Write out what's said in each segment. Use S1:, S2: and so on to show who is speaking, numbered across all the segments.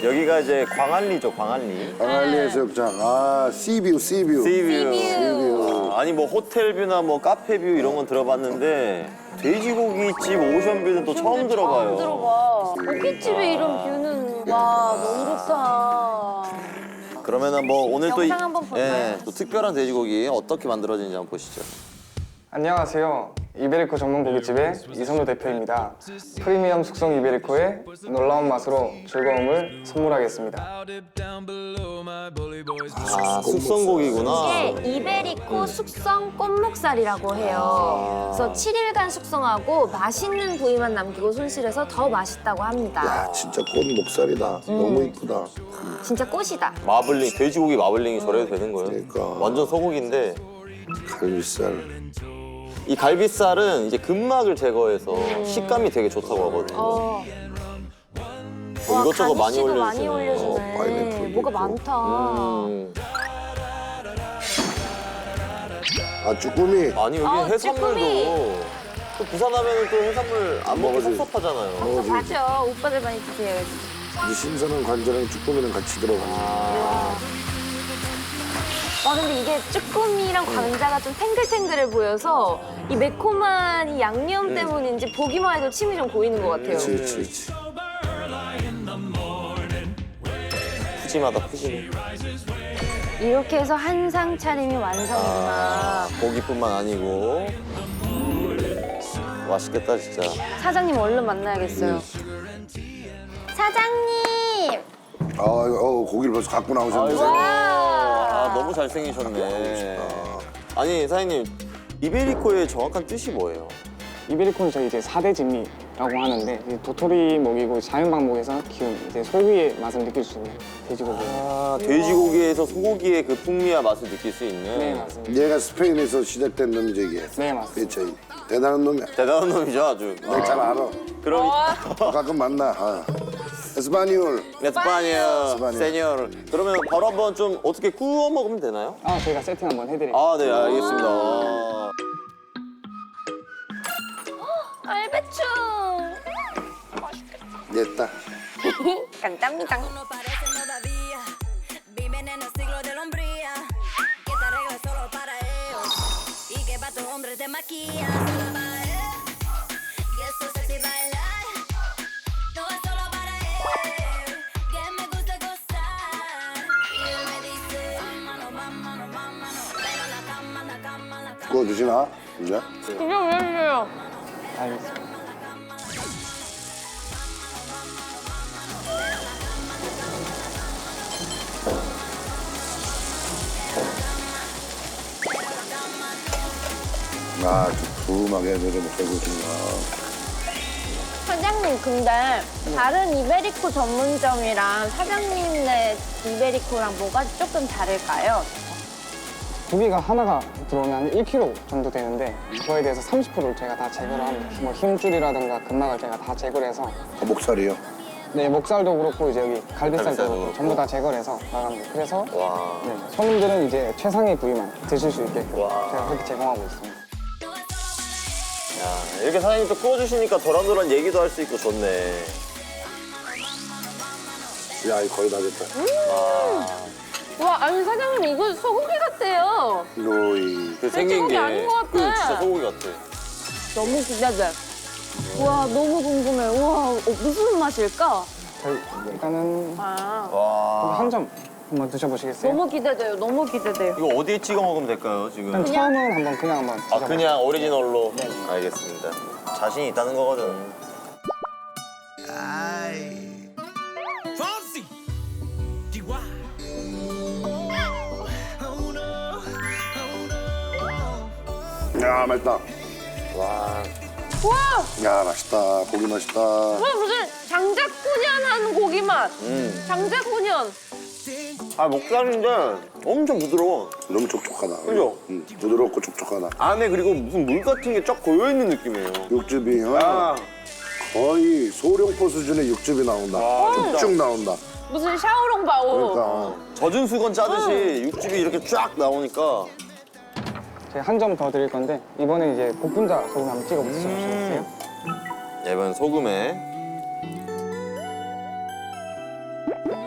S1: 여기가 이제 광안리죠, 광안리.
S2: 광안리 해수욕장. 아, 씨뷰.
S1: 씨뷰. 아니 뭐 호텔뷰나 뭐 카페뷰 이런 건 들어봤는데 돼지고기집 오션뷰는 또 처음 들어봐요.
S3: 들어봐. 고깃집에 이런 뷰는 와 너무 좋다.
S1: 그러면은 뭐 오늘 또,
S3: 영상 한번 볼까요?
S1: 또 특별한 돼지고기 어떻게 만들어지는지 한번 보시죠.
S4: 안녕하세요. 이베리코 전문 고깃집의 이선우 대표입니다. 프리미엄 숙성 이베리코의 놀라운 맛으로 즐거움을 선물하겠습니다.
S1: 아, 숙성고기구나.
S3: 이게 이베리코 숙성 꽃목살이라고 해요. 그래서 7일간 숙성하고 맛있는 부위만 남기고 손실해서 더 맛있다고 합니다.
S2: 야, 진짜 꽃 목살이다. 너무 이쁘다.
S3: 진짜 꽃이다.
S1: 마블링, 돼지고기 마블링이 저래도 되는 거예요?
S2: 그러니까.
S1: 완전 소고기인데
S2: 갈비살.
S1: 이 갈비살은 이제 근막을 제거해서 식감이 되게 좋다고 하거든요.
S3: 와,
S1: 이것저것 많이
S3: 가니쉬도
S1: 올려주시네.
S3: 많이 올려주네.
S2: 파인애플도
S3: 뭐가
S2: 있고.
S3: 많다.
S2: 아, 쭈꾸미.
S1: 아니 여기
S3: 아,
S1: 해산물도
S3: 쭈꾸미.
S1: 또 부산 하면은 또 해산물 안 먹기
S2: 먹어야지.
S1: 섭섭하잖아요.
S2: 먹어야지.
S3: 맞아. 오빠들 많이 드세요.
S2: 이 신선한 관자랑 쭈꾸미랑 같이 들어가.
S3: 와 근데 이게 쭈꾸미랑 관자가 좀 탱글탱글해 보여서 이 매콤한 이 양념 때문인지 보기만 해도 침이 좀 고이는 것 같아요.
S2: 그렇지.
S1: 푸짐하다 푸짐해.
S3: 이렇게 해서 한상 차림이 완성입니다.
S1: 고기뿐만 아니고 맛있겠다 진짜.
S3: 사장님 얼른 만나야겠어요. 사장님!
S2: 고기를 벌써 갖고 나오셨는데.
S1: 아이고.
S3: 와!
S1: 너무 잘생기셨네. 아니 사장님 이베리코의 정확한 뜻이 뭐예요?
S4: 이베리코는 저희 이제 4대 진미라고 하는데 이제 도토리 먹이고 자연 방목에서 키운 이제 소고기의 맛을 느낄 수 있는 돼지고기.
S1: 돼지고기에서 소고기의 그 풍미와 맛을 느낄 수 있는.
S4: 네 맞습니다.
S2: 얘가 스페인에서 시작된 놈이지, 이게.
S4: 네 맞습니다.
S2: 그치. 대단한 놈이야.
S1: 대단한 놈이죠 아주.
S2: 내가 잘 알아.
S1: 그럼
S2: 가끔 만나. 에스파니올.
S1: 에스파니아 세뇨르. 그러면 바로 한번 좀 어떻게 구워 먹으면 되나요?
S4: 아 저희가 세팅 한번 해드릴게요.
S1: 아 네 알겠습니다.
S3: 알배추!
S2: 됐다.
S3: 간답니다.
S5: No parecen todavía. Viven en el siglo de la hombría. Que esta regla es solo para ellos. Y que pa' tus hombres te maquillan solo para él. Y eso sexy bailar. No es solo para él. Que me gusta gozar. Y él me dice, vámonos, vámonos, vámonos. Pero la cama, la cama, la cama.
S2: 구워주시나? 이제?
S3: 이거 왜 이래요?
S4: 알겠습니다.
S2: 아, 두툼하게 해서 먹어보시나.
S3: 사장님 근데 다른 이베리코 전문점이랑 사장님네 이베리코랑 뭐가 조금 다를까요?
S4: 고기가 하나가 들어오면 한 1kg 정도 되는데 그거에 대해서 30%를 저희가 다 제거를 합니다. 뭐 힘줄이라든가 근막을 저희가 다 제거를 해서
S2: 목살이요?
S4: 네 목살도 그렇고 이제 여기 갈비살도
S1: 갈비살도
S4: 그렇고
S1: 그렇고.
S4: 전부 다 제거를 해서 나갑니다. 그래서
S1: 와.
S4: 네, 손님들은 이제 최상의 부위만 드실 수 있게끔 제가 그렇게 제공하고 있습니다.
S1: 야, 이렇게 사장님 또 구워주시니까 도란도란 얘기도 할 수 있고 좋네.
S2: 야, 이거 거의 다 됐다.
S3: 와 아니 사장님 이거 소고기 같아요.
S2: 로이.
S1: 그 생긴 게.
S3: 아닌 것 같아.
S1: 그 진짜 소고기 같아.
S3: 너무 기대돼. 와 너무 궁금해. 와 무슨 맛일까?
S4: 저희 일단은
S3: 아
S1: 와.
S4: 한 점 한번 드셔보시겠어요?
S3: 너무 기대돼요. 너무 기대돼요.
S1: 이거 어디에 찍어 먹으면 될까요 지금?
S4: 일단 처음은 한번 그냥 한번
S1: 아
S4: 드셔보세요.
S1: 그냥 오리지널로? 알겠습니다. 자신이 있다는 거거든.
S2: 야, 맛있다.
S1: 와.
S3: 와,
S2: 야, 맛있다. 고기 맛있다.
S3: 와 무슨 장작훈연한 고기 맛. 장작훈연.
S1: 아 목살인데 엄청 부드러워.
S2: 너무 촉촉하다.
S1: 그죠?
S2: 부드럽고 촉촉하다.
S1: 안에 그리고 무슨 물 같은 게 쫙 고여있는 느낌이에요.
S2: 육즙이
S1: 아.
S2: 거의 소룡포 수준의 육즙이 나온다. 쭉쭉 나온다.
S3: 무슨 샤오롱바오.
S2: 그러니까
S1: 젖은 수건 짜듯이 육즙이 이렇게 쫙 나오니까
S4: 제가 한 점 더 드릴 건데 이번에 이제 복분자 소금 한번 찍어 드셔보시겠어요?
S1: 이번 소금에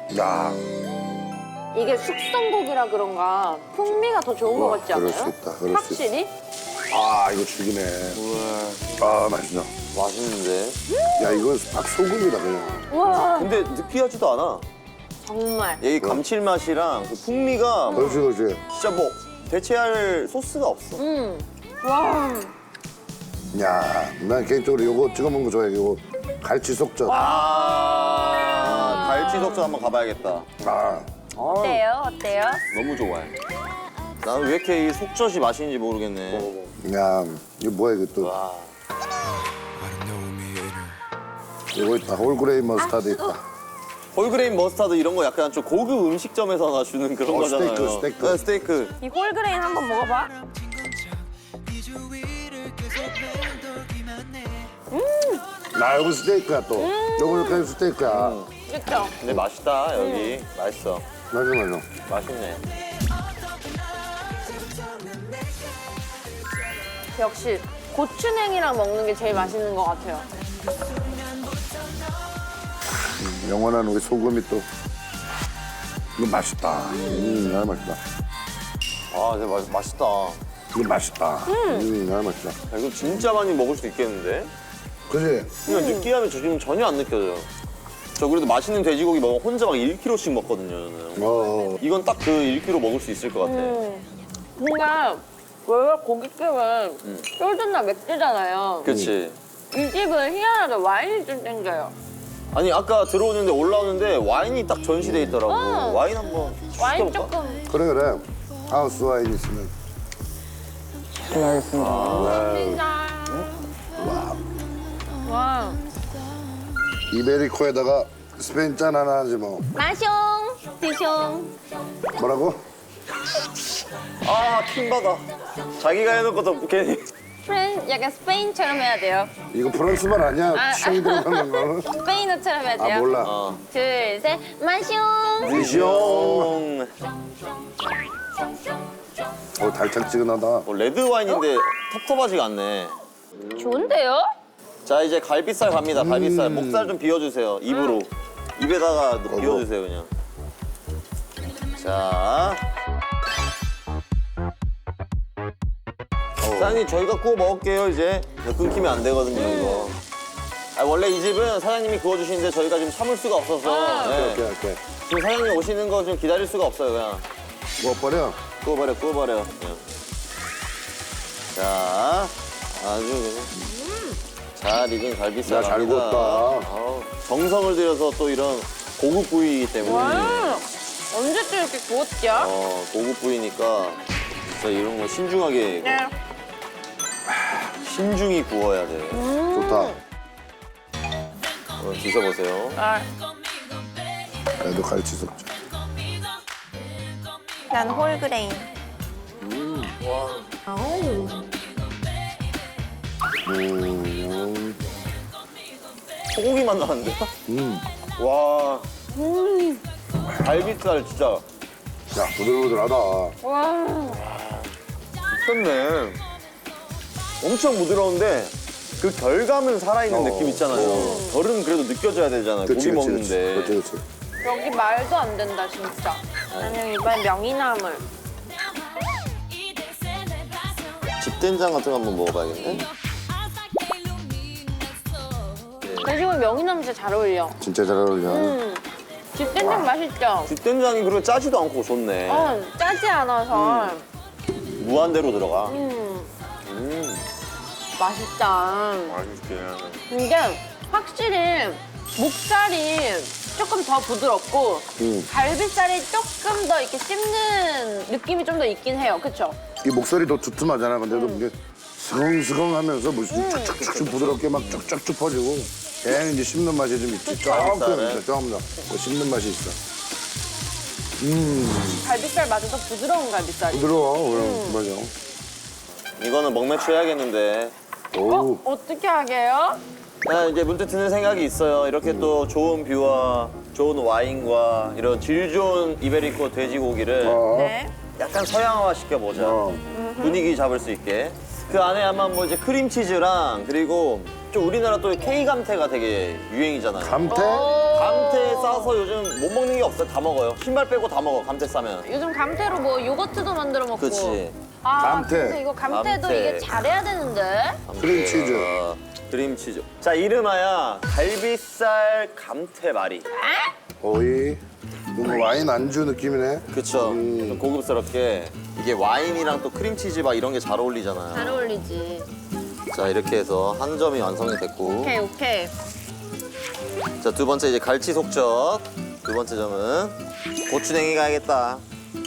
S2: 야,
S3: 이게 숙성고기라 그런가 풍미가 더 좋은 것 같지 않아요?
S2: 그럴 수 있다, 그럴 수
S3: 확실히?
S2: 아, 이거 죽이네. 아, 맛있다.
S1: 맛있는데.
S2: 야, 이건 딱 소금이다, 그냥.
S3: 우와
S1: 근데 느끼하지도 않아.
S3: 정말.
S1: 여기 감칠맛이랑 그 풍미가
S2: 그렇지, 그렇지.
S1: 진짜 뭐 대체할 소스가 없어.
S3: 와
S2: 야, 난 개인적으로 이거 찍어 먹는 거 좋아해. 이거 갈치 속젓.
S1: 갈치 속젓 한번 가봐야겠다.
S2: 아,
S3: 어때요? 어때요?
S1: 너무 좋아해. 나는 왜 이렇게 이 속젓이 맛있는지 모르겠네.
S2: 야, 이거 뭐야, 이거 또.
S1: 와.
S2: 이거 있다. 홀그레인 머스타드 있다.
S1: 홀그레인 머스타드 이런 거 약간 좀 고급 음식점에서나 주는 그런 거잖아요.
S2: 스테이크.
S1: 네, 스테이크.
S3: 이 홀그레인 한번 먹어봐.
S2: 나 여기 스테이크야, 또. 요거 이렇게 스테이크야.
S3: 그렇죠?
S1: 근데 맛있다 여기. 맛있어.
S2: 맞아, 맞아.
S1: 맛있네.
S3: 역시 고추냉이랑 먹는 게 제일 맛있는 것 같아요.
S2: 영원한 우리 소금이 또. 이거 맛있다. 나 맛있다.
S1: 아 근데 맛있다.
S2: 이거 맛있다. 나 맛있다.
S1: 야, 이거 진짜 많이 먹을 수 있겠는데?
S2: 그지?
S1: 그냥 느끼함이 지금 전혀 안 느껴져요. 저 그래도 맛있는 돼지고기 먹으면 혼자 막 1kg씩 먹거든요, 저는. 이건 딱 그 1kg 먹을 수 있을 것 같아.
S3: 뭔가 원래 고깃집은 소주나 맥주잖아요.
S1: 그치?
S3: 이 집은 희한하게 와인이 좀 땡겨요.
S1: 아니, 아까 들어오는데 올라오는데 와인이 딱 전시돼 있더라고. 와인 한번
S3: 와인
S1: 시켜볼까?
S3: 조금.
S2: 그래, 그래. 하우스 와인 있으면.
S4: 실례하겠습니다.
S3: 와.
S2: 이베리코에다가 스페인 짠 하나 하지 뭐.
S3: 마숑, 드숑.
S2: 뭐라고?
S1: 아, 킹받아. 자기가 해놓고도 괜히.
S3: 약간 스페인처럼 해야 돼요.
S2: 이거 프랑스말 아니야? 취향이 들어가는 거.
S3: 스페인어처럼 해야 돼요.
S2: 아, 몰라.
S3: 둘, 셋, 마숑.
S1: 드숑.
S2: 달짝지근하다.
S1: 레드 와인인데 텁텁하지가 않네.
S3: 좋은데요?
S1: 자, 이제 갈비살 갑니다. 갈비살. 목살 좀 비워주세요. 입으로. 입에다가 비워주세요, 그냥. 자. 사장님, 저희가 구워 먹을게요, 이제. 끊기면 안 되거든요, 이거. 아, 원래 이 집은 사장님이 구워주시는데 저희가 지금 참을 수가 없어서. 네.
S2: 오케이.
S1: 지금 사장님 오시는 거 좀 기다릴 수가 없어요, 그냥.
S2: 뭐 버려?
S1: 구워버려, 그냥. 자, 아주 그냥. 잘 익은 갈비살.
S2: 야, 잘
S1: 갑니다.
S2: 구웠다.
S1: 아우, 정성을 들여서 또 이런 고급 부위이기 때문에.
S3: 와. 언제 또 이렇게 구웠죠?
S1: 고급 부위니까 진짜 이런 거 신중하게,
S3: 네.
S1: 신중히 구워야 돼.
S2: 좋다.
S1: 드셔보세요.
S3: 아,
S2: 나도 갈치 속젓.
S3: 난 홀그레인.
S1: 소고기 맛 나는데? 와. 갈비살 진짜
S2: 야, 부들부들하다.
S3: 와.
S1: 미쳤네. 엄청 부드러운데 그 결감은 살아있는 느낌 있잖아요. 결은 그래도 느껴져야 되잖아요. 고기 먹는데.
S2: 그렇지.
S3: 여기 말도 안 된다, 진짜. 나는 이번엔 명이나물.
S1: 집된장 같은 거 한번 먹어봐야겠네.
S3: 돼지고기 명이나물 진짜 잘 어울려.
S2: 진짜 잘 어울려.
S3: 집된장 맛있죠?
S1: 집된장이 그리고 짜지도 않고 좋네.
S3: 짜지 않아서
S1: 무한대로 들어가.
S3: 맛있다.
S1: 맛있게.
S3: 근데 확실히 목살이 조금 더 부드럽고 갈비살이 조금 더 이렇게 씹는 느낌이 좀 더 있긴 해요. 그쵸?
S2: 이 목소리도 두툼하잖아. 근데도 이게 스컹스컹하면서 무슨 쭉쭉쭉 부드럽게 막 쭉쭉쭉 퍼지고 걔는 이제 씹는 맛이 좀 있지. 조금 더 씹는 맛이 있어.
S3: 갈비살 맞아서 부드러운 갈비살이.
S2: 부드러워. 그럼 맞아.
S1: 이거는 먹매추 해야겠는데.
S2: 오.
S3: 어떻게 하게요?
S1: 나 이제 문득 드는 생각이 있어요. 이렇게 또 좋은 뷰와 좋은 와인과 이런 질 좋은 이베리코 돼지고기를
S3: 네.
S1: 약간 서양화 시켜보자.
S2: 어.
S1: 분위기 잡을 수 있게. 그 안에 아마 뭐 이제 크림치즈랑 그리고 좀 우리나라 또 K 감태가 되게 유행이잖아요.
S2: 감태?
S3: 오.
S1: 감태 싸서 요즘 못 먹는 게 없어요. 다 먹어요. 신발 빼고 다 먹어. 감태 싸면.
S3: 요즘 감태로 뭐 요거트도 만들어 먹고.
S1: 그치.
S3: 아,
S2: 감태.
S3: 근데 이거 감태도
S1: 감태.
S3: 이게 잘해야 되는데.
S2: 크림치즈.
S1: 크림치즈. 자, 이름하여 갈비살 감태말이.
S2: 오이. 뭔가 와인 안주 느낌이네.
S1: 그쵸. 좀 고급스럽게. 이게 와인이랑 또 크림치즈 막 이런 게 잘 어울리잖아요.
S3: 잘 어울리지.
S1: 자, 이렇게 해서 한 점이 완성이 됐고.
S3: 오케이, 오케이.
S1: 자, 두 번째 이제 갈치 속젓. 두 번째 점은 고추냉이 가야겠다.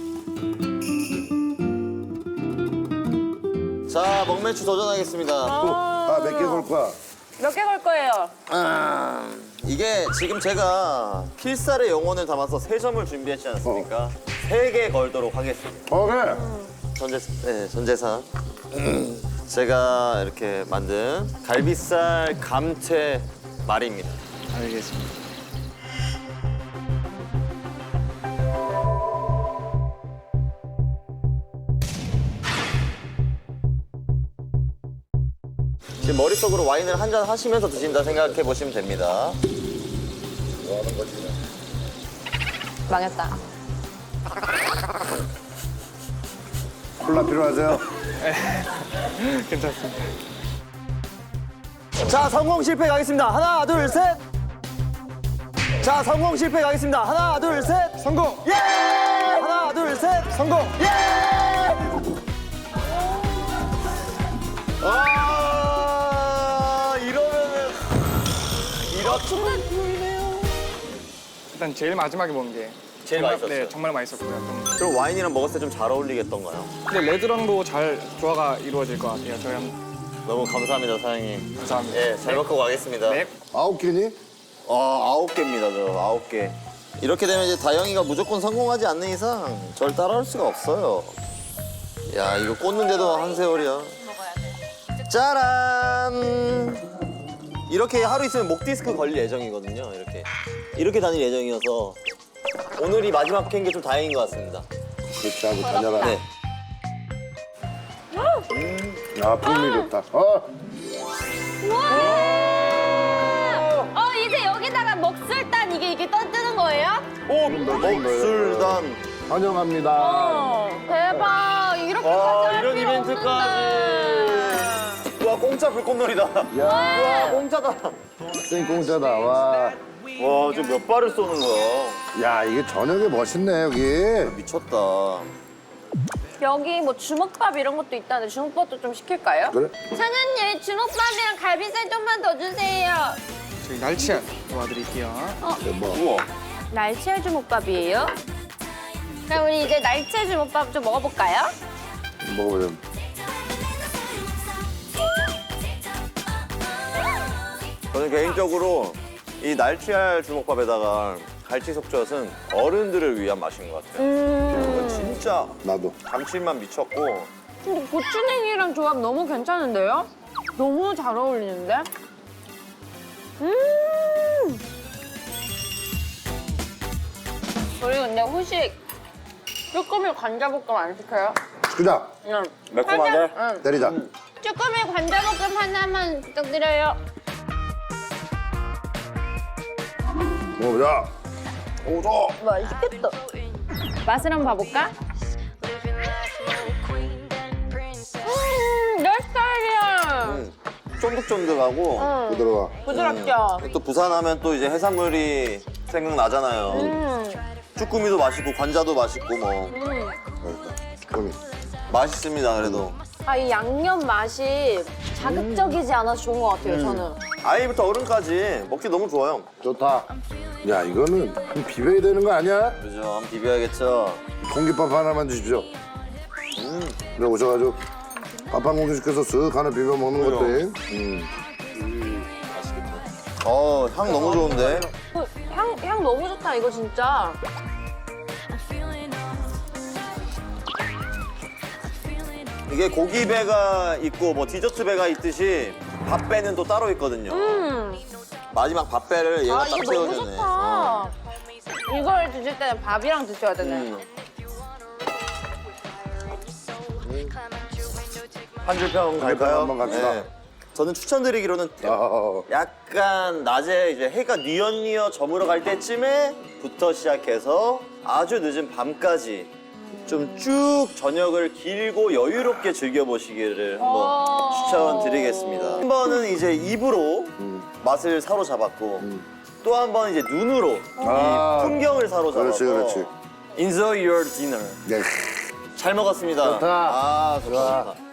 S1: 자, 먹매추 도전하겠습니다.
S2: 아, 몇 개 걸 거야?
S3: 몇 개 걸 거예요?
S1: 이게 지금 제가 필살의 영혼을 담아서 3점을 준비했지 않습니까? 3개 걸도록 하겠습니다.
S2: 그래.
S1: 전재산. 제가 이렇게 만든 갈비살 감태 말입니다.
S4: 알겠습니다.
S1: 지금 머릿속으로 와인을 한 잔 하시면서 드신다 생각해 보시면 됩니다.
S3: 망했다.
S2: 콜라 필요하세요?
S4: 괜찮습니다.
S1: 자, 성공 실패 가겠습니다. 하나, 둘, 셋. 자, 성공 실패 가겠습니다. 하나, 둘, 셋.
S4: 성공!
S1: 예! 하나, 둘, 셋.
S4: 성공!
S1: 예! 아, 이러면은
S4: 일단 제일 마지막에 먹은 게
S1: 제일
S4: 정말,
S1: 맛있었어요.
S4: 네, 정말 맛있었고요.
S1: 그럼 와인이랑 먹었을 때 좀 잘 어울리겠던가요?
S4: 근데 레드랑도 잘 조화가 이루어질 것 같아요. 저희 한번
S1: 너무 감사합니다, 사장님.
S4: 감사합니다.
S1: 예, 잘 먹고 가겠습니다.
S4: 네.
S2: 9개니?
S1: 9개입니다, 저 9개. 이렇게 되면 이제 다영이가 무조건 성공하지 않는 이상 절 따라올 수가 없어요. 야, 이거 꽂는데도 한 세월이야. 짜란! 이렇게 하루 있으면 목 디스크 걸릴 예정이거든요, 이렇게 다닐 예정이어서 오늘이 마지막 캔 게 좀 다행인 것 같습니다.
S2: 그렇지 하고 다녀라.
S1: 네.
S2: 아, 풍미 좋다.
S3: 이제 여기다가 먹술단 이게 떠뜨는 거예요?
S1: 오, 먹술단.
S2: 환영합니다.
S3: 대박. 이렇게 가져갈
S1: 이런
S3: 필요
S1: 이벤트까지. 와, 공짜 불꽃놀이다.
S2: 야,
S1: 와, 공짜다.
S2: 생공짜다. 와.
S1: 와, 지금 몇 발을 쏘는 거야?
S2: 야, 이게 저녁에 멋있네, 여기.
S1: 미쳤다.
S3: 여기 뭐 주먹밥 이런 것도 있다는데 주먹밥도 좀 시킬까요?
S2: 그래?
S3: 사장님 주먹밥이랑 갈비살 좀만 더 주세요.
S4: 저희 날치알 도와드릴게요.
S2: 대박.
S1: 우와.
S3: 날치알 주먹밥이에요? 그럼 우리 이제 날치알 주먹밥 좀 먹어볼까요?
S2: 먹어보자.
S1: 저는 개인적으로 이 날치알 주먹밥에다가 갈치 속젓은 어른들을 위한 맛인 것 같아요. 이거 진짜
S2: 나도.
S1: 감칠맛 미쳤고
S3: 근데 고추냉이랑 조합 너무 괜찮은데요? 너무 잘 어울리는데? 우리 근데 후식 쭈꾸미 관자볶음 안 시켜요?
S2: 그자,
S3: 응.
S1: 매콤하게.
S3: 응.
S2: 때리자.
S3: 쭈꾸미 관자볶음 하나만 부탁드려요.
S2: 먹어보자. 오자.
S3: 맛있겠다. 맛을 한번 봐볼까? 내 스타일이야.
S1: 쫀득쫀득하고
S2: 부드러워.
S3: 부드럽죠?
S1: 또 부산 하면 또 이제 해산물이 생각나잖아요. 쭈꾸미도 맛있고 관자도 맛있고 뭐
S2: 맛있다. 그럼
S1: 맛있습니다. 그래도
S3: 아, 이 양념 맛이 자극적이지 않아서 좋은 것 같아요, 저는.
S1: 아이부터 어른까지 먹기 너무 좋아요.
S2: 좋다. 야, 이거는 좀 비벼야 되는 거 아니야?
S1: 그죠? 한번 비벼야겠죠.
S2: 공깃밥 하나만 주십시오. 그래 오셔가지고 밥 한 공기 시켜서 쓱 하나 비벼 먹는 것도.
S1: 향 너무 좋은데?
S3: 향 너무 좋다, 이거 진짜.
S1: 이게 고기 배가 있고 뭐 디저트 배가 있듯이 밥 배는 또 따로 있거든요. 마지막 밥 배를 얘가
S3: 아,
S1: 딱
S3: 이거 너무
S1: 채워주네.
S3: 좋다. 이걸 드실 때는 밥이랑 드셔야 되네.
S1: 한 줄 평 갈까요?
S2: 한번 갑시다.
S1: 네. 저는 추천드리기로는 약간 낮에 이제 해가 뉘엿뉘엿 저물어 갈 때쯤에부터 시작해서 아주 늦은 밤까지 좀 쭉 저녁을 길고 여유롭게 즐겨보시기를 한번 추천드리겠습니다. 한 번은 이제 입으로 맛을 사로잡았고 또 한 번 이제 눈으로 이 풍경을 사로잡아서
S2: 그렇지.
S1: Enjoy your dinner.
S2: 네.
S1: 잘 먹었습니다.
S2: 좋다.
S1: 아, 좋다.